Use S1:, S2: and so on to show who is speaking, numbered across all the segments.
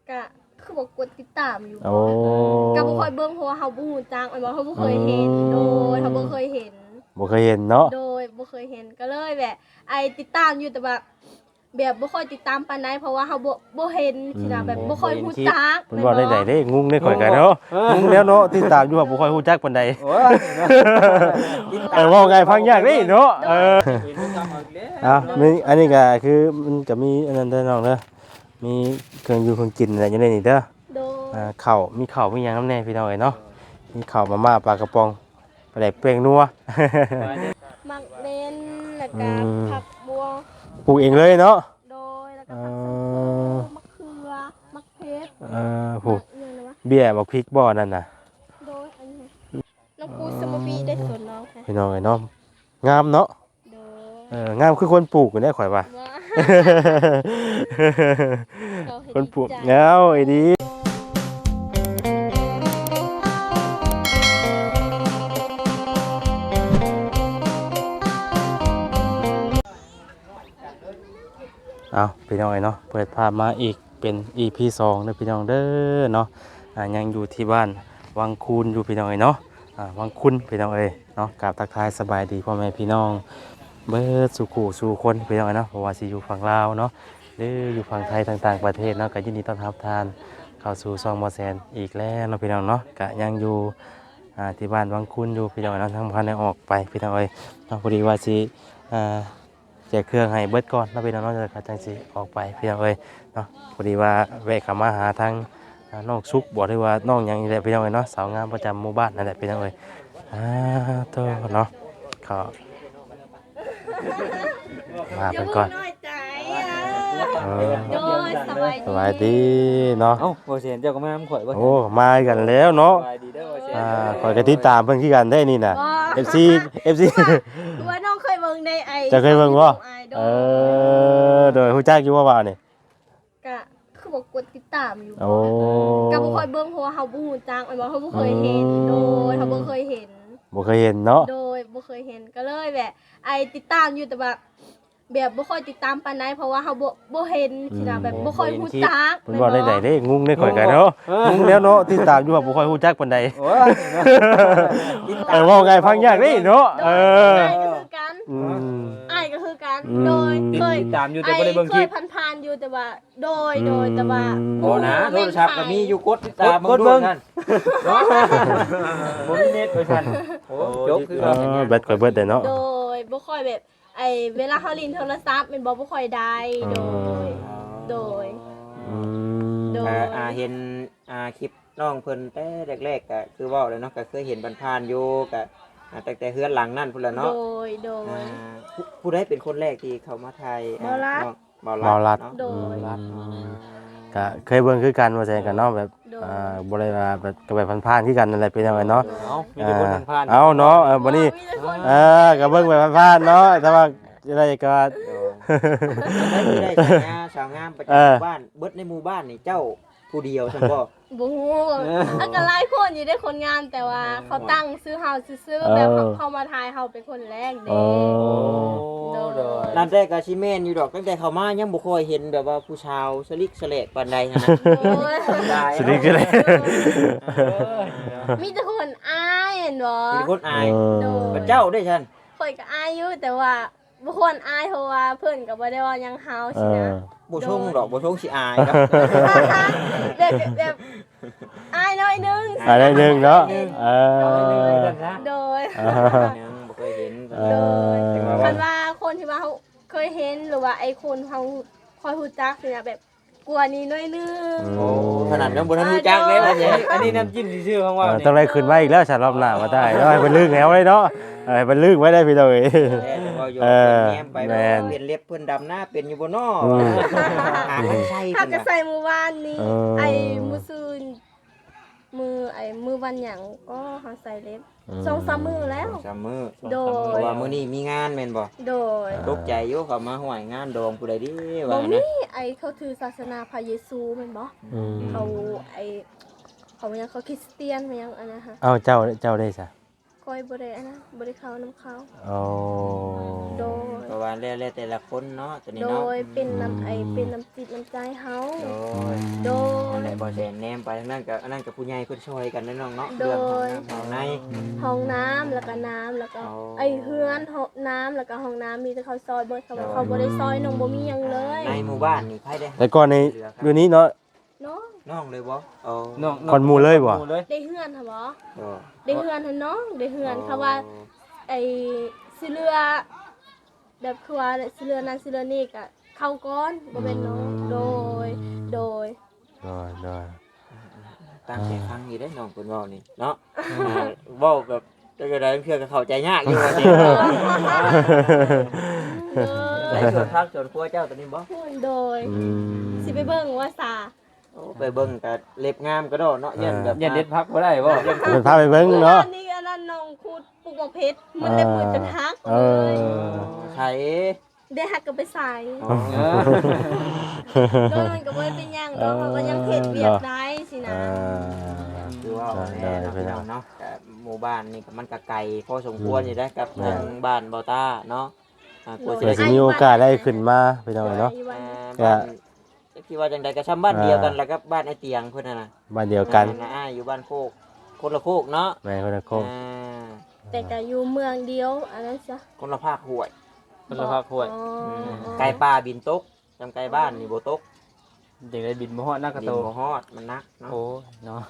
S1: ก็คือบอกกดติดตามอยู่
S2: โอ้
S1: ก็บ่ค่อยเบิ่งเพราะว่าเฮาบ่ฮู้จักมันบ่เฮาบ่เคยเห็นโดยเฮาบ่เคยเห็น
S2: บ่เคยเห็นเนาะ
S1: โดยบ่เคยเห็นก็เลยแบบไอ้ติดตามอยู่แต่แบบบ่ค่อยติดตามปานใดเพราะว่าเฮาบ่เห็นสินะแบบบ่ค่อยฮู้จัก
S2: เพิ่นว่าได้เด้งุ้งได้ข่อยกันเนาะงุ้งแล้วเนาะติดตามอยู่ว่าบ่ค่อยฮู้จักปานใดเว้าไงฟังยากเด้เนาะมีอันนี้ก็คือมันก็มีอันนั้นเด้อน้องเด้อมีเครื่องอยู่เครื่องกินอะไรอยู่ในนี่เด้อ
S1: โดย
S2: ข้าวมีข้าวมีหยังนำแน่พี่น้องเอ้ยเนาะมีข้าวมาม่าปลากระป๋องปลาแดกเปรี้ยงนัว
S1: มักเล่นแล้วก็ผักบัว
S2: ปลูกเองเลยเนาะ
S1: โดยแล้วก็ผักสะพูมะเขือมะเพชร
S2: ผูกเบี้ยบักพริกบ่อนั่นน่ะ
S1: โดยอันนี้น้องปูสมบีได้สวนน้องค่ะ
S2: พี่น้องเอ้ยเนาะงามเนาะ
S1: โดย
S2: งามคือคนปลูกอยู่ได้ข่อยว่า
S1: ว่า
S2: คนปลูกเงาไอ้ดีเอาพี่น้องเนาะเปิดภาพมาอีกเป็น EP 2เด้อพี่น้องเด้อเนาะยังอยู่ที่บ้านวังคูนอยู่พี่น้องเนาะวังคุนพี่น้องเนาะกราบทักทายสบายดีพ่อแม่พี่น้องเบิดสู่ขู่สู่คนพี่น้องเนาะเพราะว่าสิอยู่ฝั่งลาวเนาะหรืออยู่ฝั่งไทยต่างๆประเทศเนาะก็ยินดีต้อนรับทานเข้าสู่ซองบ่แซนอีกแล้วเนาะพี่น้องเนาะก็ยังอยู่ที่บ้านวังคุนอยู่พี่น้องเนาะทั้งพันได้ออกไปพี่น้องเนาะพอดีว่าสิแจกเครื่องให้เบิดก่อนแล้วพี่น้องเนาะจะจังสิออกไปพี่น้องเนาะพอดีว่าแวะเข้ามาหาทางน้องซุกบอกได้ว่าน้องหยังนี่แหละพี่น้องเนาะสาวงามประจำหมู่บ้านนั่นแหละพี่น้องโตเนาะเขามาเป็นก่อน
S1: โดย
S2: สบายดีเนาะ
S3: เอ้าบ่เสียนเจ้าก็มาข่อยบ่
S2: โอ้มากันแล้วเนาะ
S3: สบายดีเด้อบ่เสียน
S2: ข่อยก็ติดตามเพิ่นคือกันได้นี่น่ะ FC
S1: ว่าน้องเคยเบิ่งในไอ
S2: จะเคยเบิ่งบ่
S1: โดย
S2: โดยฮู้จักอยู่ว่านี่
S1: ก็คือบอกกดติดตามอยู่
S2: โอ้
S1: ก็บ่ค่อยเบิ่งเพราะว่าเฮาบ่ฮู้จักมันบ่เฮาบ่เคยเห็นโดยเฮาบ่เคยเห็น
S2: บ่เคยเห็นเนาะ
S1: โดยบ่เคยเห็นก็เลยแบบไอติดตามอยู่แต่แบบบ่ค่อยติดตามปานใดเพราะว่าเฮาบ่เห็นสินะแบบบ่ค่อยฮู้จัก
S2: เพิ่นว่าได้เด้งุ้งได้ข่อยกันเนาะงุ้งแล้วเนาะติดตามอยู่ว่าบ่ค่อยฮู้จักปานใด
S3: โอ้ย
S2: เว้าไงฟังยากเด้เนาะ
S1: อ้ายก็คือกัน
S2: อืม
S1: อ้ายก็คือกันโดยเคย
S3: ติดตามอยู่แต่บ่ได้เบิ่งคลิป
S1: เคยผ่านๆอยู่แต่ว่าโดยแต่ว่า
S3: บ่นะโทรศัพท์ก็มีอยู่กดติดตามเบิ่งนั่นเนาะบ่มีเน็ตว่าซั่นโอ้จบคือ
S2: เบิดข่อยเบิดได้เนาะ
S1: โดยบ่ค่อยแบบเวลาเฮาลินโทรศัพท์มันบ่ค่อยได้โดย โดย
S3: เห็นคลิปน้องเพิ่นแต่แรกๆก็คือเว้าเลยเนาะก็เคยเห็นผ่านๆอยู่ก็ตั้งแต่เฮือนหลังนั่นพุ่นล่ะ
S1: โด
S3: เนาะ
S1: ย
S3: ผู้ใดเป็นคนแรกที่เข้ามาถ่าย
S2: เมาลัด
S1: โดย
S2: ก็เคยเบิ่งคือกันว่าแซ่กันเนาะแบบบ่ได้ว่าแบบก็แบบผ่านๆคือกันนั่นแหละเป็นจังไดเนาะ
S3: มีแต่คนผ่านๆ
S2: เอาเนาะบัดนี้ก็เบิ่งแบบผ่านๆเนาะแต่ว่าอะไรก็
S3: ได้สาวงามประจำหมู่บ้านเบิดในหมู่บ้านนี่เจ้าผู้เดียวซั่นบ่
S1: บ่ฮู้อันก็หลายคนอยู่ได้คนงานแต่ว่าเขาตั้งซื้อเฮาซื่อๆแบบเข้ามาทายเฮาเป็นคนแรกเด้
S3: นั่นแต่ก็สิแม่นอยู่ดอกตั้งแต่เข้ามายังบ่ค่อยเห็นแบบว่าผู้ชาวสลิกสะเลกปานใดหั่นนะ
S2: สนิทกันเลย
S1: มีแต่คนอายเห็นบ่
S3: มีคนอาย
S1: โด
S3: พระเจ้าได้ฉัน
S1: ข่อยก็อายอยู่แต่ว่าบ่ควรอายเพราะว่าเพิ่นก็บ่ได้ว่าหยังเฮาสินะ
S3: บ่ชงดอกบ่ชงสิอายครับ
S1: แบบอายน้อยนึง
S2: อะไรนึงเนาะ
S1: โดย
S3: ยังบ่เคยเห็น
S1: โดยคันว่าคนที่ว่าเขาเคยเห็นหรือว่าไอ้คนเขาคอยฮู้จักสินะแบบกลัวนี้น้อยนึง
S3: โอ้ขนาดนั้นบ่ทันรู้จักเลยอันนี้น้ำจิ้มซื่อๆของว่า
S2: ต้องได้ขึ้นมาอีกแล้วฉันรอบหน้ามาได้แล้วให้เพิ่นลึกแล้วเลยเนาะให้เพิ่นลึกไว้ได้พี่น้องเอ้ย
S3: แง้มไปเป็นเล็บเพิ่นดำหน้าเป็นอยู่บ่น้อหาใช่
S1: ถ้า
S3: เพิ่น
S1: จะใส่มือวานนี้ไอ้มือซืนมือวันหยังก็หาใส่เล็บ2-3มื้อแล้ว
S3: 3มื้อ
S1: โด
S3: เพ
S1: ย
S3: ราะว่ามื้อนี้มีงานแม่นบ่
S1: โดย
S3: ตกใจอยู่เขามาห่วยงานดองผู้ใดดิ
S1: บ่
S3: ว่า
S1: มี
S3: นะ
S1: ไอ้เขาถือศาสนาพระเยซูแม่นบ่เขาเขายังเขาคริสเตียนมายังอันนะฮะ
S2: เอ้าเจ้าได้ซะ
S1: ก้อยบ่ได้อันนะบ่ได้เข้าน้ำเขา
S2: โอ้
S1: โดย
S3: เพราะว่าแล้วแต่ละคนเนาะตัวนี้
S1: โด
S3: เนาะ
S1: ยเป็นน้ำเป็นน้ำจิตน้ำใจเฮา
S3: โดย
S1: โดย
S3: บ่แดนแนมไปทางนั้นกับอันนั้นกับผู้ใหญ่เพิ่นช่วยกันนะน้องเนาะ
S1: โด
S3: เรื่อง
S1: ย
S3: ของใน
S1: ห้องน้ำแล้วก็น้ำแล้วก็
S3: อ๋อ
S1: ไอเฮือนห้องน้ำแล้วก็ห้องน้ำมีแต่เขาซอยเบิดเขาบ่ได้ซอยน้องบ่มีหยังเลย
S3: ในหมู่บ้านนี่ไผได้
S2: แต่ก่อนนี้อยู่นี้เนาะ
S1: เนาะ
S3: น้องเลยบ่อ๋อ
S4: น้อง
S2: คนหมู่เลยบ่
S4: หมู่เลย
S1: ได้เฮือนค่ะบ่
S3: อ๋อ
S1: ได้เฮือนหั่นเนาะได้เฮือนค่ะว่าไอ้สิเรือแบบคือว่าสิเรือนั้นสิเรือนี้ก็เข้าก่อนบ่แม่นเนาะโดย
S2: ได้ได้
S3: ตั้งใจฟังอยู่ได้น้องเพิ่นเว้านี่เนาะเว้าแบบจังได๋เพื่อก็เข้าใจยากอยู่ว่าสิได้ส่วนพักส่วนครัวเจ้าตัวนี้บ่
S1: โดย สิไปเบิ่งว่าซา
S3: โอ้ไปเบิ่งก็เล็บงามก็ดอเนาะยันแบบ
S4: อย่าเด็ดพักบ่ได้บ่
S2: เป็นพาไปเบิ่งเนาะ
S1: อันนี้อันนั้นน้องคูดปลูกหมกเพชรมันได้มือจนหัก
S2: เอ
S1: เลย
S2: อ
S3: ใช้
S1: ได้หักก็ไปใส่
S3: อ๋อ
S1: โดยมันก็บ่ได้เป็นหยังดอกเขาก็ยังเฮ็ดเวียกได้สินะ
S3: คือว่าแน่เนาะพี่น้องเนาะแต่หมู่บ้านนี่ก็มันก็ไกลพอสมควรอยู่ได้กับทางบ้านเบาต้าเนาะกลัว
S2: เผื่อสิมีโอกาสได้ขึ้นมาพี่น้องเนาะ
S3: บ้านคิดว่าจังใดก็ช้ำบ้านเดียวกันแล้วก็บ้านไอ้เตียงเพิ่นน่ะ
S2: บ้านเดียวกัน
S3: นะอยู่บ้านโคกคนละโคกเนาะ
S2: แม่คนละโคก
S1: แต่ก็อยู่เมืองเดียวอันนั้นจ้ะ
S3: คนละภาคห้วย
S4: คนละพักห้วย
S1: อ๋อ
S3: ไก่ป่าบินตกจำไก่บ้านนี่บ่ตก
S4: จังได้บินบ่ฮอดนักกระ
S3: บิ
S4: โต
S3: นบ่ฮอดมันนักเนาะ
S4: โอ้เนาะ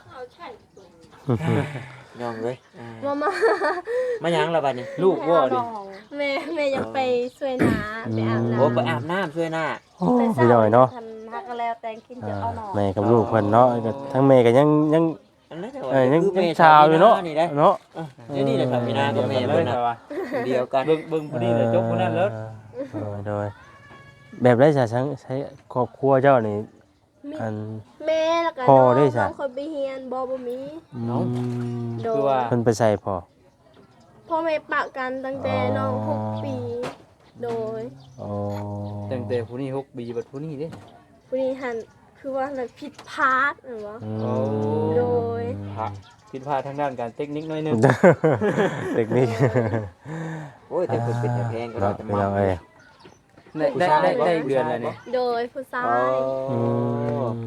S3: ย่องเลย
S1: มา
S3: มาหยังล่ะบัดนี้
S4: ลูกว่าดิ
S1: แม่ยังไปช่วยนาไปอาบน้ำ
S3: โอ้ไปอาบน้ำช่วยหน้า
S2: โอ้พี่น้อยเนาะ
S1: ทันฮักกันแล้วแต่งกินจะเอาหน่อ
S2: แม่กับลูกเพิ่นเนาะก็ทั้งแม่ก็ยัง
S3: อันนั้นแต่ว่า
S2: ยัง
S3: คือแม่
S2: ชาวอยู่เนาะ
S3: นี่ได้
S2: เนาะ
S3: นี่นี่แหละครับพี่นากับแม่
S4: เล
S3: เพิ่
S4: ย
S3: นน่ะ
S4: แต่ว่า
S3: เดียวกัน
S4: เบิ่งผู้นี้แล้วจบผู้นั้นแล้ว
S2: โดยแบบได้ใช้ครอบครัวเจ้านี่
S1: มี
S2: อัน
S1: แม่แล้วก็
S2: พ่อ
S1: น้อง
S2: ได้จ้ะ
S1: น้องคนไปเฮียนบ่มี
S2: น้อง
S1: โด
S4: คือย ว่า
S2: เพิ่นไปใส่พอ
S1: พ่อแม่ปะกันตั้งแต่น้อง
S2: อ๋อ
S1: 6 ปี โดย
S2: อ๋อ
S4: ตั้งแต่ผู้นี้6ปีบัดผู้นี้เด้
S1: ผู้นี้หันคือว่าอะไรผิดพลาดหรือวะ
S2: อืม
S1: โดย
S4: ผิดพลาดทางด้านการเทคนิคหน่อยหนึง
S2: เทคนิค
S3: โอ้ยแต่เพิ่นเป็นแต่แพงก็
S2: เนาะ
S3: จะ
S2: พี่
S3: มา
S2: น้องเอ้ย
S4: ได้เดือนแล้วนี่
S1: โดยผู้ชา
S3: โอ้
S1: ย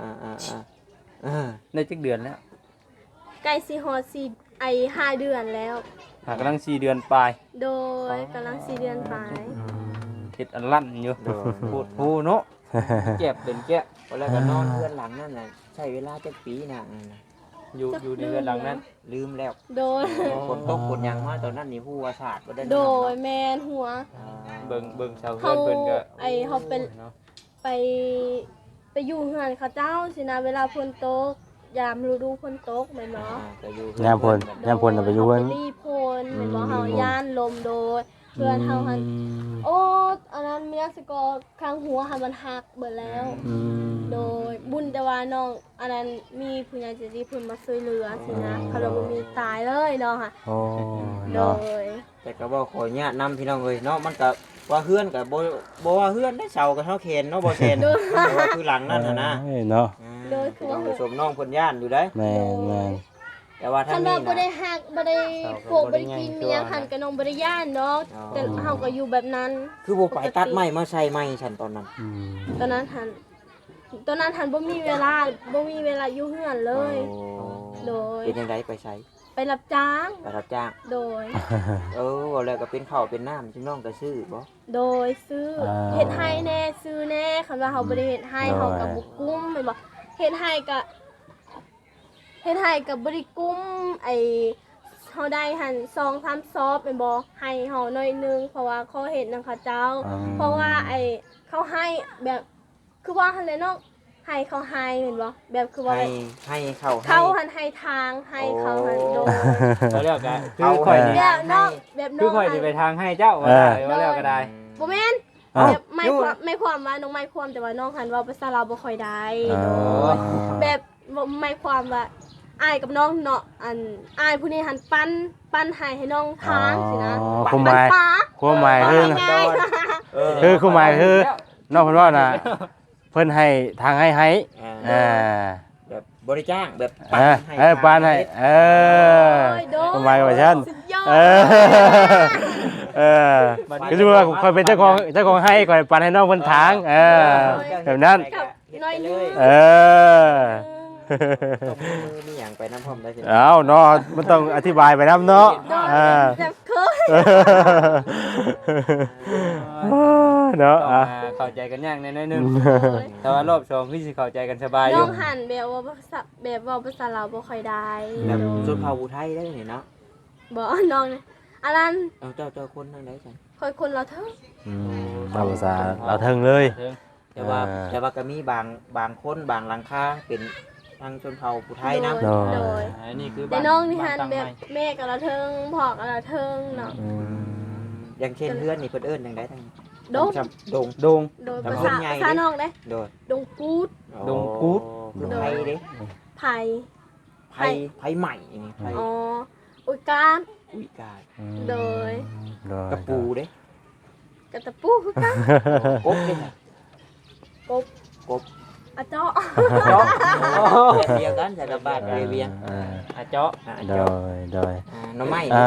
S4: ได้จักเดือนแล้ว
S1: ใกล้สิฮอด4ไอ5 เดือนแล้ว
S4: หากำลัง4เดือนปลาย
S1: โดยกำลัง4 เดือนไป
S4: เฮ็ดอันลั่นอยู่
S3: โดน
S4: พูดฮู้เนาะเก็บเป็นแกะ
S3: แล้วก็นอนเพื่อนหลังนั่นน่ะใช้เวลาจักปีน่ะ
S4: อยู่ในเรือนหลังนั้น
S3: ลืมแล้ว
S1: โดย
S3: คนตกคนยังมาตอนนั้นนี่ฮู้ว่าศาสตร์บ่ได้
S1: โดยแมนหัว
S4: เบิ่งชาวเฮือนเพิ่นก็
S1: เขาเป็น
S4: เนาะ
S1: ไปอยู่เฮือนเขาเจ้าสินะเวลาฝนตกยามฤดูฝนตกแม่นบ่
S3: ก็อยู่
S2: ยามพลยามพลน่ะไปอยู่เพิ่น
S1: รีพลแม่นบ่เฮาย่านลมโดยเพื่อนเฮาหันโอ้อันนั้นมีนักสกอข้างหัวหันมันหักเบิดแล้ว
S2: อืม
S1: โดยบุญแต่ว่าน้องอันนั้นมีผู้ใหญ่ใจดีเพิ่นมาช่วยเหลือสินะเขาเลยบ่มีตายเลยเนาะค่ะ
S2: โอ้
S1: โด
S2: เนาะ
S1: ย
S3: แต่ก็บ่ขออนุญาตนำพี่น้องเอ้ยเนาะมันก็ว่าเฮือนก็บ่ว่าเฮือนได้เสาก็เท่าเคนเนาะบ่เคนแต่ว่าคือหลังนั่นน่ะนะ
S2: เอ้ยเนาะ
S1: โดยคือว่า
S3: ผู้ชมน้องเพิ่นย่านอยู่ได้
S2: แม่น
S3: แต่ว่า
S1: คั
S3: ทาง
S1: น
S3: นี้
S1: ว่าบ่ได้หักบ่ได้โกกบ่ได้กินเมียหันกับน้องบ่ได้ย่านเนาะแต่เฮาก็อยู่แบบนั้น
S3: คือบ่ไปตัดไม้มาใส่ไม้ฉันตอนนั้น
S2: อืม
S1: ตอนนั้นหันบ่มีเวลาอยู่เฮือนเลย โดย
S3: เป็นจังไดไปใช้
S1: ไปรับจ้าง
S3: ไปรับจ้าง
S1: โดย
S3: ว่าแล้วก็เป็นข้าวเป็นน้ำพี่น้องก็ซื้อบ่
S1: โดยซื้อเฮ็ดให้แน่ซื้อแน่คันว่าเฮาบ่ได้เฮ็ดให้เฮาก็บ่กุ้มแม่นบ่เฮ็ดให้ก็บ่ได้กุ้มไอ้เฮาได้หัน2-3ซอบแม่นบ่ให้เฮาหน่อยนึงเพราะว่าเขาเฮ็ดนำเขาเจ้า เพราะว่าไอ้เขาให้แบบคือว่าหั่นแหละเนาะให้เขาให้แม่นบ่แบบคือว่า
S3: ให้เข้า
S1: เขาหันให้ทางให้เขาหันโดน
S4: เขาเรียกก็คือข่อยนี่
S1: แบบน้องแบบน้
S4: คือ
S1: อง
S4: ข่อย
S1: หั
S4: นี่
S1: น
S4: ไปทางให้เจ้าว่าได้ว่าแล้วก็ได้
S1: บ่แม่น
S2: อ้าว
S1: แบบไม่ความว่าน้องไม่ความแต่ว่าน้องหันเว่าภาษาลาวบ่ค่อยได้
S2: อ๋อ
S1: โดยแบบไม่ความว่าอายกับน้องเนาะอันอายผู้นี้หันปั้นให้น้องทางสินะ
S2: อ๋อความหมาย
S1: ปั้นปลา
S2: ความหมายคือ
S1: ง่าย
S2: คือความหมายคือ นอกเพิ่นว่าน่ะเพิ่นให้ทางให้อ่า
S3: แบบบริจ้างแบบ
S2: ปานให้ความหมายว่าซั่น
S1: สุดยอด
S2: เออคือว่าคอยเป็นเจ้าของให้คอยปานให้น้องเพิ่นทางแบบนั้น
S1: กับน้อยนึง
S2: เออ
S3: มีหยังไปน้ำพร้อมได้สิ
S2: เอาเนาะมันต้องอธิบายไปนํเนาะ
S1: โดย
S2: อ่า
S1: แต่เคย
S2: เนาะ
S4: ต้อง
S2: อ่ะ
S4: เข้าใจกันยากแน่ๆนึง
S1: โดย
S4: แต่ว่ารอบสองคือสิเข้าใจกันสบายอ
S1: น้
S4: ยู่
S1: องหันแบบว่าภาษาแบบเว่าภาษาลาวบ่ค่อยได้
S3: แบบชนเผ่าอุทัยได้นี่เนาะ
S1: บ่น้องเนี่ยอันนั้น
S3: เอาเจ้าคนทางใดซั่น
S1: คอยคนเราเถอะ
S2: เราภาษาเราเทิงเลย
S3: แต่ว่าก็มีบางคนบางหลังคาเป็นทางชนเผ่าอุทัยนำ
S1: โดยโดย
S4: อันนี้คือ
S1: แต่น้องนี่หันแบบแม่กับเราเทิงพ่อกับเราเทิงเนาะ
S3: อย่างเช่นเพื่อนนี่เพิ่นเอิ้นจังได๋ทาง
S1: ดง
S3: ดง
S4: ดง
S1: โดย
S3: แต่
S1: ภา
S3: คน
S1: ษา
S3: ใหญ่
S1: ภาษาน้องเด้
S3: โดย
S1: ดงกูด
S4: ดงกู๊ด
S3: คือไผเด้
S1: ไผ่
S3: ไผใหม่นี่ไผ
S1: อ๋ออุยการ
S3: อุ้ยกาย
S1: โดย
S3: กระปูเด้
S1: กระตะปูคือกัน
S3: กบเด้
S1: กบ
S3: กบ
S1: อะเจาะ
S3: เจาะแบบเดียวกันจากกระบาดเวียง
S4: อาเจาะ
S2: โด
S3: เจาะ
S2: ยโดย
S3: หน่อไม้
S2: อ่า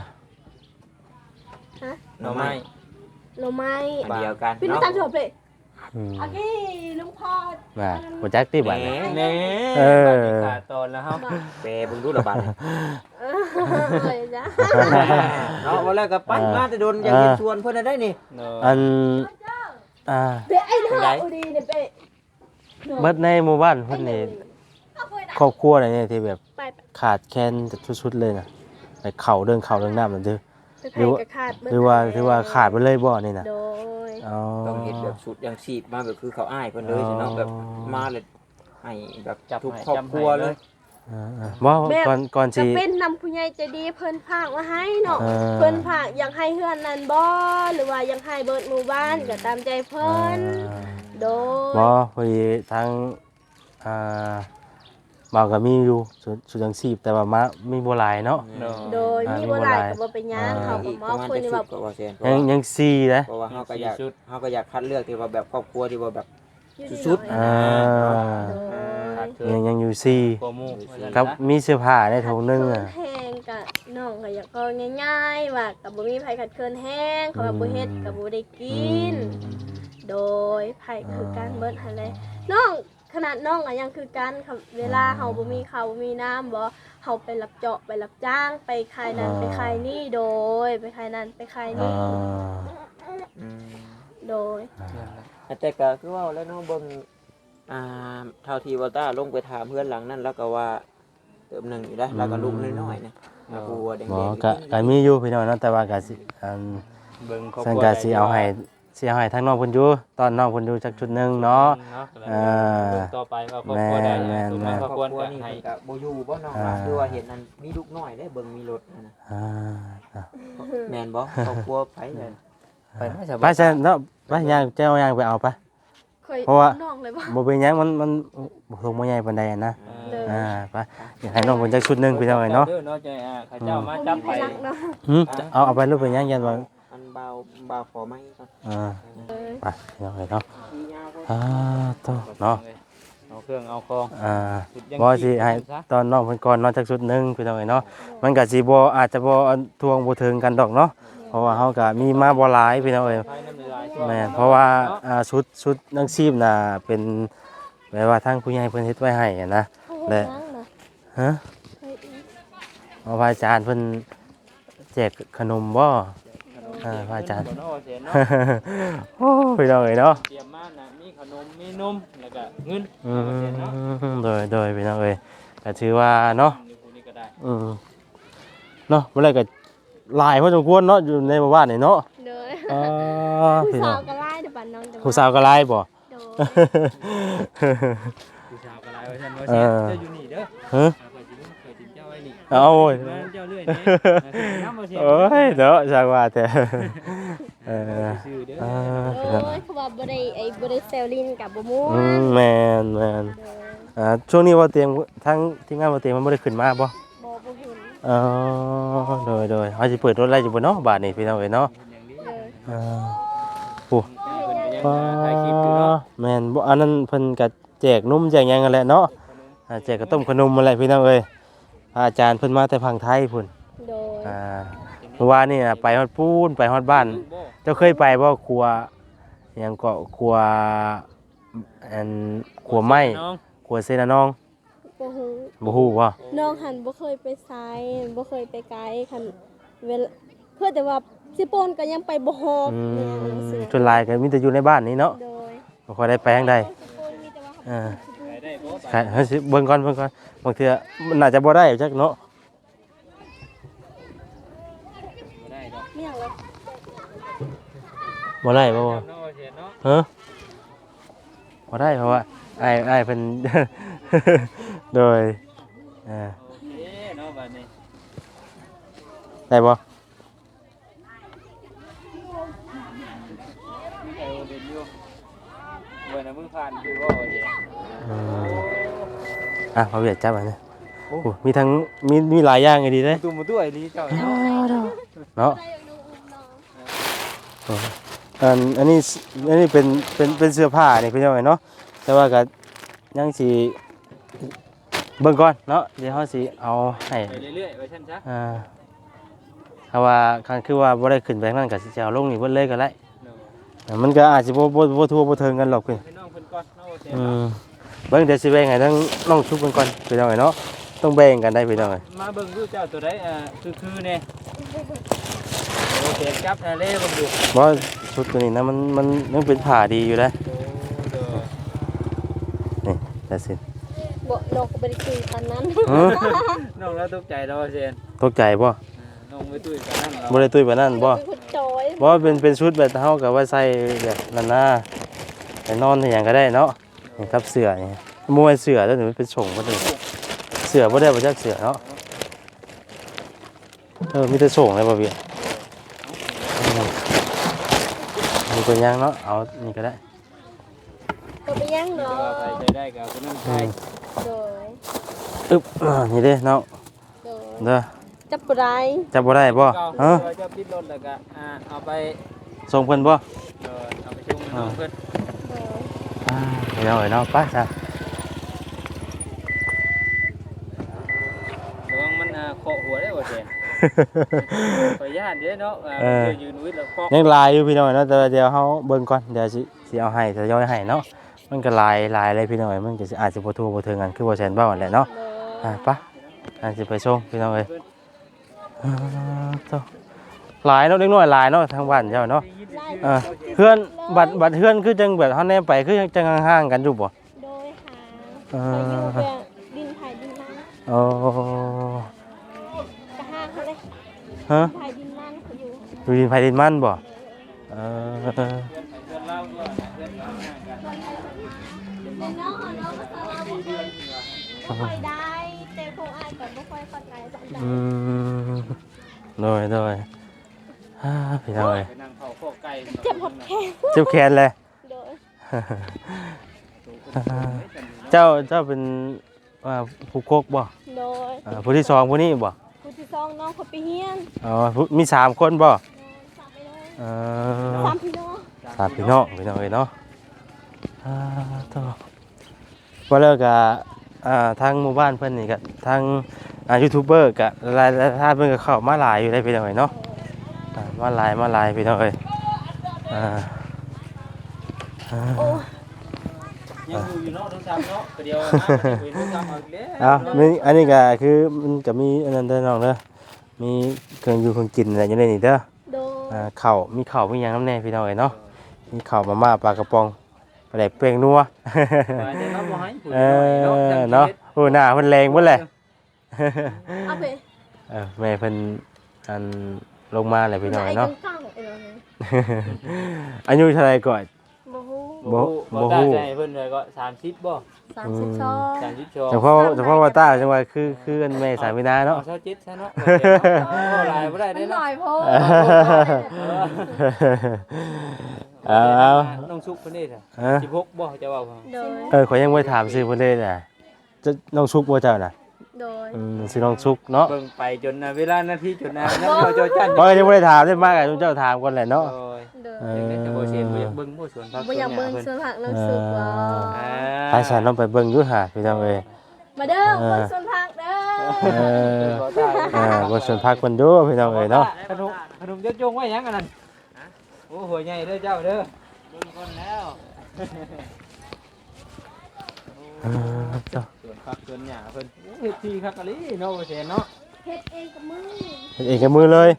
S4: หน่อไม้
S1: โลไม้
S3: อันเดียวกัน
S1: พี่น้อง
S3: เนาะ
S1: ตามจบเลย
S2: อืม
S1: โอเคลุงพอด
S2: มาบ่จักติบัด
S3: แห
S2: นี้
S3: ม
S4: แน่
S2: เออ
S4: ขาดตอนแล้วเฮา
S3: แปรเบิ่งดูละบาด
S1: เออเลยจ้ะ
S3: เนาะว่าแล้วก็ปั้นมาแต่โดนอยากเห็นชวนเพิ่นได้นี่
S4: เนาะ
S2: อันอ่า
S1: เบ๊ะไอ้เนาะอุดีเนี่ยเบ๊ะ
S2: เบิดในหมู่บ้านเพิ่นนี่ครอบครัวอะไรเนี่ยที่แบบ
S1: ไป
S2: ขาดแคลนสุดๆเลยน่ะไปเข่าเรื่องน้ำนั่นเด้อ
S1: ไปไผ่กับขาดเบิด
S2: ถือว่าขาดไปเลยบ่นี่น่ะ
S1: โดย
S2: อ๋อ
S3: ต้องเห็นแบบสุดอย่างชีพมาแบบคือเขาอ้ายเพิ่นเลยเนาะแบบมาเลยให้แบบทุกครอบครัวเลย
S2: บ่ก่อน
S1: จะ
S2: สิ
S1: เป็นนำผู้ใหญ่ใจดีเพิ่นพากมาให้เนาะ
S2: เออ
S1: เพิ่นพากอยากให้เฮือนนั้นบ่หรือว่าอยากให้เบิดหมู่บ้านก็ตามใจเพิ่นโดย
S2: บ่พอดีทางอ่าบ่าวก็มีอยู่สุดจังซีบแต่ว่ามามีบ่หลายเนาะ
S4: เนาะ
S1: โดยมีบ่หลายก็บ่เป็นหยังเขาก็
S3: อีก
S1: ม
S3: ป
S1: อบ
S3: ระมาณ
S1: คุย
S3: จะ
S1: นี่
S3: สุ
S1: ว่า
S3: ดก็ว่าแซนเพ
S2: ยังสี่นะ
S3: ราะว่าเฮาก็อยากคัดเลือกที่ว่าแบบครอบครัวที่ว่าแบบ
S1: อยู่ดี
S3: สุด
S1: หน่
S2: อ่า
S1: อย
S4: ขาดเกิน
S2: ยังอยู่สี่
S4: โปรโมทว่าซั่น
S2: ครับ
S4: ซะ
S2: มีเสื้อผ้าในถุงนึง
S1: ขัด
S2: อ่ะ
S1: เคินแห้งก็น้องก็อยากก็ง่ายๆว่าก็บ่มีไผขัดเคินแห้งเขาว่าบ่เฮ็ดก็บ่ได้กิน โดยไผคือการเบิดหั่นเลยน้องขนาดน้องก็ยังคือกันค่ะเวลาเฮาบ่มีข้าวบ่มีน้ำบ่เฮาไปรับเจาะไปรับจ้างไปขายนั่นไปขายนี่โดยไปขายนั่นไปขาย
S2: อ่า
S1: นี่
S3: อืม
S1: โดย
S3: แต่ก็คือว่าแล้วเนาะเบิ่งเท่าที่วอต้าลงไปถามเพื่อนหลังนั้นแล้วก็ว่าเติมหนึ่งอยู่ได้แล้วก็ลูกน้อยๆนะปูแดง
S2: บ่
S3: ๆ
S2: ก็มีอยู่พี่น้องเนาะแต่ว่าก็สิอัน
S4: เบิ่งครอบค
S2: ซึ่ง
S4: รัว
S2: ก็สิเอาให้ทางน้องเพิ่นอยู่ตอนน้องเพิ่นอยู่จักจุดหนึงเนาะ อ่า
S4: เบิ่งต่อไปว่าครอบครัวใด
S2: แม่น
S4: สุด
S2: แม่
S4: มาน ก
S3: ค
S4: ค
S3: ร
S4: ร
S3: อ
S4: อ
S3: บบ
S4: ครัว
S3: ครัวนี่
S4: ให้
S3: เพิ่นก็บ่อยู่บ่น้อง
S2: อ่า
S3: คือว่าเห็นนั้นมีลูกน้อยได้เบิ่งมีรถนะ
S2: อ่า
S3: แม่นบ่ครอบครัวไผเลย
S4: ไปน่าจะ
S2: ไปซะเนาะไปย่างเจ้าย่างไปเอาไป
S1: เคย
S2: เพราะว่า
S1: น้องเลยบ่
S2: บ่เป็นหยังมันบ่คงบ่ใหญ่ปานใดอะนะ
S1: เลย
S2: ไปอยากให้น้องเพิ่นจักชุดหนึงพี่น้องเนาะ
S4: เนาะใจข้าเจ้ามาจับไป
S1: รักเนาะ
S2: เอาไปรูปเป็นหยังยันว่า
S3: อันเบาขอไม้ก่อน
S2: ไปพี่น้องเนาะโตเนาะ
S4: เอาเครื่องเอาคอง
S2: บ่สิให้ตอนน้องเพิ่นก่อนเนาะจักชุดหนึงพี่น้องเนาะมันก็สิบ่อาจจะบ่ทวงบ่ถึงกันดอกเนาะเพราะว่าเฮาก็มีมาบ่หลายพี่น้องเอ้ย แม่นเพราะว่าชุดนังชีพน่ะเป็นแบบว่าทางผู้ใหญ่เพิ่นเฮ็ดไว้ให้อะนะ และ ฮะเอาพระอาจารย์เพิ่นแจกขนมบ่พระอาจารย์ โอ้พี่น้องเอ้ยเนาะ
S4: เตรียมมานะมีขนมมีนมแล้วก็เงิน
S2: โดยพี่น้องเอ้ยก็ถือว่าเนาะ
S4: นี่ก็ได้
S2: เนาะบ่ได้ก็หลายพอสมควรเนาะอยู่ในหมู่บ้านนี่เนาะ
S1: โดย ผู้
S2: พี่น้
S1: สา
S2: อ
S1: ว
S2: ง
S1: ก็ไล่เดี๋ยวบัดน้องจะ
S2: ผู้สาวก็หลายบ่
S1: โดย
S4: ผู้ชาวก็หลายว่าซั่นว่าเสียเจ้าอยู่นี่เด้อ
S2: ฮะ
S4: เคยติดเจ้าไว้นี่
S2: เอาโอ้ย
S4: เจ้าเรื่อยนี่น้ำบ่เสีย
S2: โอ้ยเนาะจังว่าแต่
S4: ชื่อเด้อ
S1: โดยเขาว่าบ่ได้บ่ได้เซลลินกับบ่ม่วน
S2: แม่น
S1: โดย
S2: ช่วงนี้ว่าเตรียมทั้งทีมงานว่าเตรียมมันบ่ได้ขึ้นมาบ่
S1: บ่เห็น
S2: อ๋อโดยเขาสิเปิดรถไล่อยู่บ่เนาะบาดนี้พี่น้องเอ้ยเนาะ
S1: เลย
S2: โอ้
S4: ถ่ายคลิปอยู่เนาะ
S2: แม่นบ่อันนั้นเพิ่นก็แจกนมแจกหยังกันแหละเนาะแจกข้าวต้มขนมมาแหละพี่น้องเอ้ยพระอาจารย์เพิ่นมาแต่พังไทยพุ่น
S1: โดย
S2: เมื่อวานนี่น่ะไปฮอดปูนไปฮอดบ้าน เจ้าเคยไปบ่ครัวหยังก็ครัวอันครัวไม้ครัวเซนาน้อง
S1: บ่ฮู้
S2: บ่ฮู้ว่า
S1: น้องหันบ่เคยไปไสบ่เคยไปไกลคันเวลาเพื่อแต่ว่าสิปนก็ยังไปบ่ฮอบเนี่ยจังซี่
S2: ส่วนหลายก็มีแต่อยู่ในบ้านนี้เนาะ
S1: โดย
S2: บ่ค่อยได้ไปทางใด
S1: สิปนมีแต่ว่าเขา
S2: อ่า
S4: ไปได้บ่ไป
S2: ใช่เฮ้ยสิเบิ่งก่อนบางเทื่อมันน่าจะบ่ได้จักเนาะ
S4: บ่ได้ดอก
S1: ไม่อยากแล้ว
S2: บ่ได้บ่
S4: เนาะบ่เสียเนาะ
S2: ฮะบ่ได้เพราะว่าอ้ายเพิ่น โดยอ่า
S4: เอ๊ะเนาะบัดนี้
S2: ได้บ่
S4: เออเด่นอยู่เว้ยนะมึงผ่านคือบ่เสีย
S2: อืมอ่ะเอาเวียดจับอันนี้โอ้มีทั้งมีหลายอย่างไงดีเด้
S4: ตุ้มตู้ไอ้นี่เจ้าเนาะ
S2: เนาะ
S1: ได้น้องอุ้มน้อง
S2: อันนี้เป็นเสื้อผ้านี่พี่น้องเนาะแต่ว่าก็ยังสิเบิ่งก่อนเนาะเดี๋ยวเฮาสิเอาให้
S4: ไปเรื่อยๆไว้ซั่นซะ
S2: ถ้าว่าคันคือว่าบ่ได้ขึ้นไปนั่นก็สิจะเอาลงนี่เบิดเลยก็ได้
S4: เนาะ
S2: มันก็อาจสิบ่ทั่วบ่ถึงกันหรอกพี่
S4: ให้น้องเพิ่นก่อนเนาะบ่เสีย
S2: เบิ่งเดี๋ยวสิแบ่งให้ทั้งน้องชุบกันก่อนพี่น้องเนาะต้องแบ่งกันได้พี่น้อง
S4: มาเบิ่งดูเจ้าตัวใดคือแน่โอเคจับเล่เบิ่งดู
S2: บ่ชุดตัวนี้นะมันยังเป็นผ้าดีอยู่นะ
S4: โอ้เด้อ
S2: นี่แต่สิ
S1: บ่น้องก็บ่ได้คุยปานนั้น
S4: น้องแล้วตกใจแล้วเสีย
S2: ตกใจบ่
S4: น้องไม่ตุ้ยกันนั่นเรา
S2: บ่ได้ตุ้ยปานนั้นบ่
S1: เป็นคนจอย
S2: บ่เป็นชุดแบบเฮาก็ว่าใส่แบบนั้นนะไปนอนที่หยังก็ได้เนาะนี่ครับเสื้อนี่มวยเสื้อแล้วนี่มันเป็นส่งบ่ได้เสื้อบ่ได้บ่จักเสื้อเนาะมีแต่ส่งเลยบ่พี่มีตัวยังเนาะเอานี่ก็ได้
S1: ก็ไปยังเนาะ
S4: ไปใจได้กับคนนั้นใจ
S1: โดย
S2: อึ๊บนี่เด้เนาะ
S1: โดย
S2: เด้อ
S1: จับบ่ได้
S2: จับบ่ได้บ่
S4: เก่า
S2: ฮะ
S4: จะติดรถแล้วก็เอาไป
S2: ส่งเพิ่นบ่
S4: เอาไปชุ่มน้องเพิ่น
S1: โดย
S2: เดี๋ยวเนาะไปซะ
S4: ระวังมันเคาะหัวได้บ่เสียขออนุญาตเด้อเนาะยืนวิทย์แล้วเคาะ
S2: ยังลายอยู่พี่น้อยเนาะแต่ว่าเดี๋ยวเฮาเบิ่งก่อนเดี๋ยวสิเอาให้ทยอยให้เนาะมันก็ลายเลยพี่น้อยมันก็สิอาจจะบ่ทั่วบ่ถึงกันคือบ่แซ่นเบ้านั่นแหละเนาะ
S1: โดย
S2: ไปอาจสิไปส่งพี่น้องเอ้ยหลายเนาะเด็กน้อยหลายเนาะทางบ้านเจ้าเนาะ
S1: ไล่
S2: เพื่อนบัดเพื่อนคือจังแบบเฮาแนมไปคือจังห่างๆกันอยู่บ่
S1: โดยหาเขาอยู่แบบดินไผ่ดินนั่น
S2: โอ้
S1: กะห้างเขาเลย
S2: ฮะ
S1: ไผ่ดินนั่นเขาอยู่
S2: อยู่ดินไผดินมันบ่เออ
S4: เพื่อนเล่าด้วยเพื่อนห่างกัน
S1: แต่น้องน้องภาษาลาวบ่ค่อยได้แต่คงอายก็บ่ค่อยเข้าใจปานใด
S2: อืมโดยพี่น้องเอ้ย
S4: ไปนั่งเผาโคไก่
S1: เจ็บหดแขน
S2: เจ็บแขนเลย
S1: โดย
S2: เจ้าเป็นว่าผู้โคกบ่
S1: โดย
S2: ผู้ที่สองผู้นี้บ่
S1: ผู้ที่สองน้องเขาไปเฮียน
S2: อ๋อมี3คนบ่
S1: สามไปเลย
S2: เอ
S1: สามพี่น้อง
S2: สามพี่น้องเอ้ยเนาะต่อว่าแล้วก็ทางหมู่บ้านเพิ่นนี่ก็ทางยูทูบเบอร์ก็หลายท่านเพิ่นก็เข้ามาหลายอยู่ได้พี่น้องเอ้ยเนาะมาหลายพี่น้องเอ้ย
S1: โอ้
S4: ยังอยู่เนาะทั้ง3เนาะเดียวนะไปทั้ง3เอาอีกแล้ว
S2: มีอันนี้ก็คือมันก็มีอันนั้นเด้อน้องเด้อมีเครื่องอยู่เครื่องกินอะไรอยู่ในนี่เด้อ
S1: โดย
S2: ข้าวมีข้าวมีหยังนำแน่พี่น้องเอ้ยเนาะมีข้าวมาม่าปลากระป๋องปลาแดกเปรี้ยงนัว เนาะโอ้หน้าเพิ่นแรงเบิดแหละ
S1: เอาไป
S2: แม่เพิ่นอันลงมาแหละพี่น้องเนาะ
S1: กลางๆเออ
S2: อายุเท่าไหร่ก่อน
S1: บ่ฮู้
S4: บ่ได้ใจเพิ่นเลยก็30บ่
S1: 32
S4: 32
S2: เฉพาะว่าตาจังว่าคืออันแม่สามีนาเนาะ
S4: 27ซะเนาะหลายบ่ได้
S1: มั
S4: เด้
S1: นหน่
S4: เนาะ
S1: อยโพด
S2: เอา
S4: น้องซุกเพิ่นนี่จ้ะ
S2: ฮะ
S4: 16บ่จะว่า
S1: โดย
S2: ขอยยังบ่ได้ถามชื่อเพิ่นเลยน่ะจะน้องชุกบ่เจ้าน่ะ
S1: โดย
S2: ชื่อน้องชุกเนาะ
S4: เบิ่งไปจนเวลานาทีจนน้ำบ่จอจัน
S2: บ่ยังบ่ได้ถามได้มากอ่ะเจ้าถามก่อนแหละเนาะ
S4: โอ้ย
S1: โดย
S4: ยังได้แต่บ่เสียบ่อยากเบิ่งบ่สวนผัก
S1: บ่อยากเบิ่งสวนผักน้ำสุกว่า
S2: ไปฉันต้องไปเบิ่งอยู่หาพี่น้องเอ้ย
S1: มาเด้อเบิ่งสวนผักเด้อ
S2: บนสวนพักเพิ่นอยู่พี่น้องเอ้ยเนาะ
S4: ขนมจะจงไว้หยังอันนั้นโอ้หัวใหญ่เด้อเจ้าเด้อเบิ่งคนแล้ว
S2: เจ้า
S4: ผักสวนหญ้าเพิ่นโอ้เฮ็ดที่คักอะลิเนาะบ่แซ่นเนาะ
S1: เฮ็ดเองกับมือ
S2: เฮ็ดเองกับมือเลย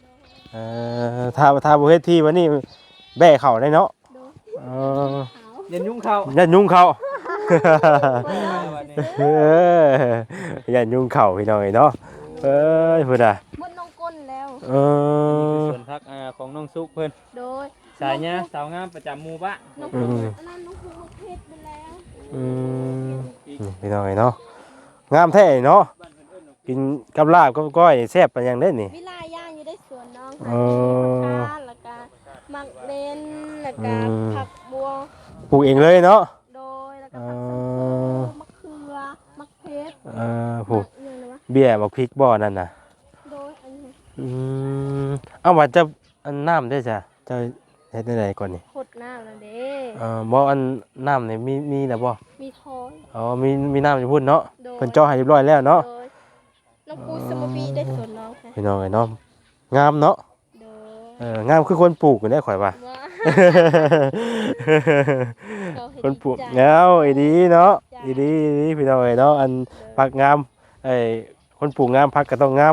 S2: ถ้าบ่เฮ็ดที่วันนี้แบ่เข้าได้เนาะ
S1: โดย
S2: เออ
S1: ขาว
S4: ยันยุ่งเข้า
S2: ยันยุงเข้า
S4: วันนี้
S2: เออยันยุงเข้าพี่น้องเอ้ยเนาะเอ้ยพุ่นน่ะ
S1: มดน้องก้นแล้ว
S2: เอ
S4: นี่คือ
S2: อ
S4: สวนผักของน้องซุกเพิ่น
S1: โดย
S4: สายหญ้าสาวงามประจำหมู่บ้าน
S1: น้องพุงอันนั้นน้องพุงลูกเพชรไปแล้ว
S2: อืมนี่พี่น้องเอ้ยเนาะงามแท้เนาะกินกับลาบกับก้อยแซ่บปานหยังเด้นี่
S1: วิลาย่างอยู่ได้สวนน้อง
S2: เออ
S1: ค่ะแล้วก็มักเลนแล้วก็ผักบัว
S2: ปลูกเองเลยเนาะ
S1: โดยแล้วก็ผักสังโมมะเขือมะเพชร
S2: ปลูก
S1: เรื่องอะไรวะ
S2: เบี้ยบักพริกบ่อนั่นน่ะ
S1: โดยอันนี้
S2: อืมเอาว่าจะอันน้ำได้จ้ะจะเฮ็ดได้ไดก่อนนี่
S1: ขดน้ำนั่นเด้
S2: บ่อันน้ำนี่มีแล้วบ่
S1: มีทอย
S2: อ๋อมีน้ำอยู่พุ่นเนาะ
S1: โดย
S2: เพิ่นเจาะให้เรียบร้อยแล้วเนาะ
S1: โดยน้องปูสมบีได้สวนน้องค่ะ
S2: พี่น้องเอ้ยเนาะงามเนาะ
S1: โดย
S2: งามคือคนปลูกกันได้ข่อยว่า
S1: ว่า
S2: คนปลูกเงาอีดีเนาะอีดีพี่น้องเอ้ยเนาะอันผักงามคนปลูกงามผักก็ต้องงาม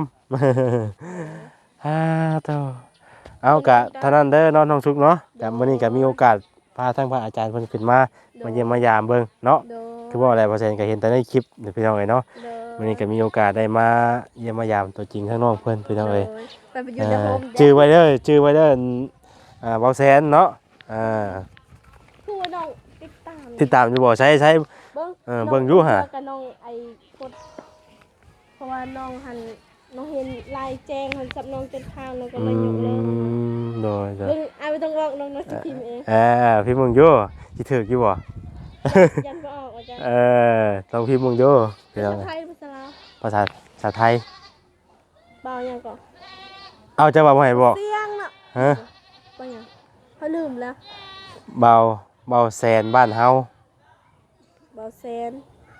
S2: เต้าเอากะเท่านั้นเด้อเนาะน้องสุกเนาะกะมื้อนี้ก็มีโอกาสพาทั้งพระอาจารย์เพิ่นขึ้นมาเยี่ยมมายามเบิ่งเนาะ
S1: โดย
S2: คือว่าอะไรเปอร์เซ็นต์ก็เห็นแต่ในคลิปเดี๋ยวพี่น้องเอ้ยเนาะ
S1: โดย
S2: มื้อนี้ก็มีโอกาสได้มาเยี่ยมมายามตัวจริงข้างนอกเพิ่นพี่น้องเอ้ย
S1: ไปอยู่ในโฮม
S2: ชื่อไว้เด้อเบาแสนเนาะ
S1: คือว่าน้องติดตาม
S2: ติดตามอยู่บ่ใช้
S1: เบิ้ง
S2: เบิ่งอยู่ห่ะ
S1: กับน้องไอ้กดเพราะว่าน้องหันน้องเห็นลายแจ้งหันสับน้องจนทางน้องก็เลยยกเลย
S2: โดย
S1: เบิ้งไอ้ไม่ต้องบอกน้องน้องสิพิมพ์เอง
S2: พี่มึงอยู่สิถึกอยู่บ่
S1: ยันก็ออกอาจารย์
S2: ลองพี่มึงอยู่พี่น้อง
S1: ภาษาไทยภาษาลาว
S2: ภาษาไทย
S1: เบายังก่อน
S2: เอาจะว่าบ่ให้บอก
S1: เสียงน่ะ
S2: ฮะ
S1: เบายังเขาลืมแล้ว
S2: เบาแสนบ้านเฮา
S1: เบาแซน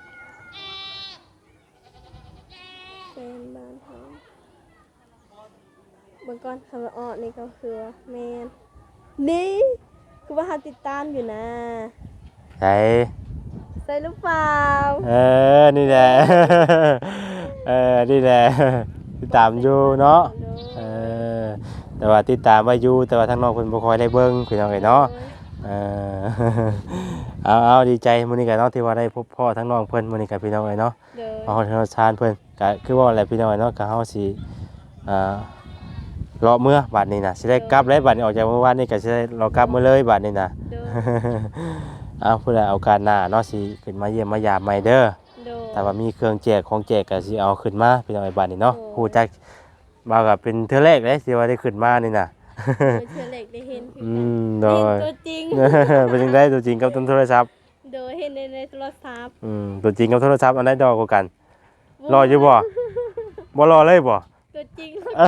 S1: แซนบ้านเขาเบิ่งก่อนคำว่าอ้อนี่ก็คือว่าแมนนี่คือว่าเขาติดตามอยู่นะ
S2: ใช่
S1: ใช่หรือเปล่า
S2: นี่แหละ นี่แหละติดตามอยู่เนาะแต่ว่าติดตามไว้อยู่แต่ว่าทางน้องเพิ่นบ่ค่อยได้เบิ่งพี่น้องเอ้ยเนาะเอาดีใจมื้อนี้ก็เนาะที่ว่าได้พบพ่อทั้งน้องเพิ่นมื้อนี้ก็พี่น้องเอ้ยเนาะ
S1: เด้อ
S2: มาฮอดธนาคารเพิ่นก็คือว่าอะไรพี่น้องเอ้ยเนาะก็เฮาสิรอเมื่อบัดนี้น่ะสิได้กลับแล้วบัดนี้ออกจากเมื่อวานนี้ก็สิได้รอกลับมื้อเลยบัดนี้น่ะ
S1: เด้อ
S2: เอาผู้ใดเอาการหน้าเนาะสิขึ้นมาเยี่ยมมายามใหม่เด้อ
S1: เด้อ
S2: แต่ว่ามีเครื่องแจกของแจกก็สิเอาขึ้นมาพี่น้องไอ้บัดนี้เนาะ
S1: โอ้
S2: ฮู้จักมาก็เป็นเทื่อแรกเลยที่ว่าได้ขึ้นมานี่น่ะ
S1: เป็นเชื่อเล็กได้เห็นคือกัน
S2: โด
S1: เห็น
S2: ย
S1: ตัวจริง
S2: เป็นจังได๋ตัวจริงกับโทรศัพท์
S1: เด้อเห็นในโทรศัพท์
S2: ตัวจริงกับโทรศัพท์อันใดดอกกว่ากัน รออยู่บ่บ่รอเลยบ่
S1: ตัวจริง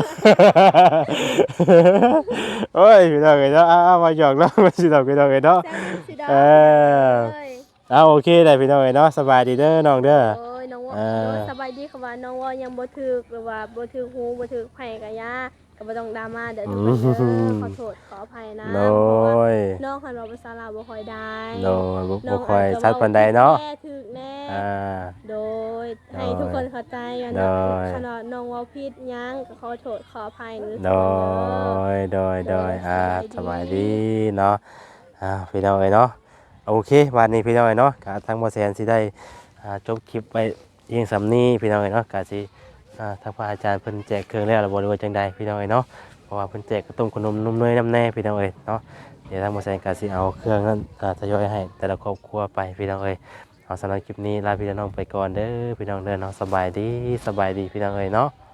S2: โอ้ยพี่น้องเอ้ยเนาะเอามาหยอกเนาะมาสิดอกพี่น้องเอ้ยเนาะ
S1: แซมสีดา
S2: เออ
S1: เลย
S2: เอาโอเคได้พี่น้องเอ้ยเนาะสบายดีเด้อน้องเด้อ
S1: โอ้ยน้องว่า
S2: เออ
S1: โดยสบายดีค่ะว่าน้องว่ายังบ่ถึกหรือว่าบ่ถึกหูบ่ถึกไผกะยาก็บ่ต้องดราม่าเด้อทุกคนเด้อขอโทษขออภัยนะ
S2: โด
S1: เพราะว่าย น้องคันว่าภาษาลาวบ่ค่อยได้
S2: โดยบ่ค่อยชัดปานใดเนาะ
S1: แน่ถึกแน่
S2: อ่า
S1: โดยให้ทุกคนเข้าใจกัน
S2: โด
S1: นะ
S2: ย
S1: ขนาดน้องเว่าผิดหยังก็ขอโทษขออภัยหรือ
S2: โดยสบายดีเนาะพี่น้องเอ้ยเนาะโอเควันนี้พี่น้องเอ้ยเนาะกะทางบ่แซนสิได้จบคลิปไปเพียงสำนี้พี่น้องเอ้ยเนาะกะสิทางพระอาจารย์เพิ่นแจกเครื่องแล้วบ่รู้ว่าจังใดพี่น้องเอ้ยเนาะเพราะว่าเพิ่นแจกขนมขนมนมเนยน้ำแน่พี่น้องเอ้ยเนาะเดี๋ยวทางบ่แซนกะสิเอาเครื่องนั้นทยอยให้แต่ละครอบครัวไปพี่น้องเอ้ยเอาสำหรับคลิปนี้ลาพี่น้องไปก่อนเด้อพี่น้องเด้อเนาะสบายดีพี่น้องเอ้ยเนาะ